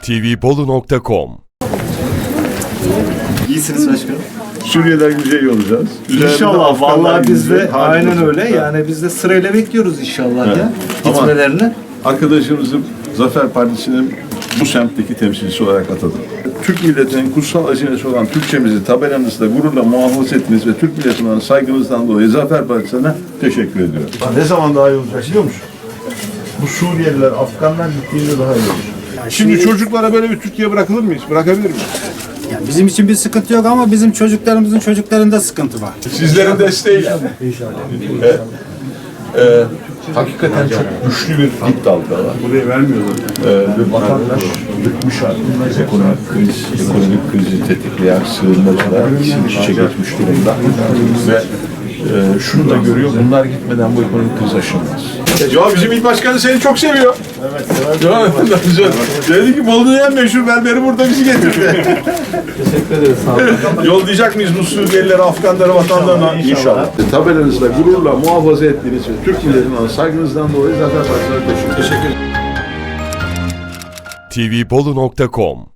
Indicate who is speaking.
Speaker 1: tvbolu.com.
Speaker 2: İyisiniz başkanım.
Speaker 3: Suriye'den güzel olacağız.
Speaker 2: İnşallah. Vallahi biz de aynen öyle. Yani biz de sırayla bekliyoruz inşallah
Speaker 3: Evet.
Speaker 2: ya.
Speaker 3: Ama-
Speaker 2: Gitmelerini.
Speaker 3: Arkadaşımızı Zafer Partisi'nin bu semtteki temsilcisi olarak atadım. Türk milletinin kutsal hazinesi olan Türkçemizi tabelanızda gururla muhafaza ettiniz ve Türk milletine olan saygınızdan dolayı Zafer Partisi'ne teşekkür ediyorum. Ne zaman daha iyi olacak biliyor musun? Bu Suriyeliler, Afganlar gittiğinde daha iyi olur.
Speaker 4: Şimdi çocuklara böyle bir Türkiye bırakılır mı hiç? Bırakabilir miyiz?
Speaker 5: Yani bizim için bir sıkıntı yok ama bizim çocuklarımızın çocuklarında sıkıntı var.
Speaker 4: Sizlerin desteğiyle.
Speaker 3: Hakikaten çok güçlü bir dip dalga var.
Speaker 4: Buraya vermiyorlar.
Speaker 3: Ve vatandaş bıkmış artık. Ekonomik krizi tetikleyen sığınmacılar iç içe geçmiş durumda. Ve şunu da görüyor, bunlar gitmeden bu ekonomik kriz aşılmaz.
Speaker 4: Ya bizim il başkanı seni çok seviyor. Evet. Dedi ki Bolu'nun en meşhur berberi burada bizi getirdi.
Speaker 2: Teşekkür ederiz. Sağ olun.
Speaker 4: Yollayacak mıyız bu Suriyelileri, Afganları vatanlarına?
Speaker 3: İnşallah. Tabelanızla gururla muhafaza ettiğiniz ve Türk milletine olan saygınızdan dolayı Zafer Partisi'ne teşekkür ederim.
Speaker 1: tvbolu.com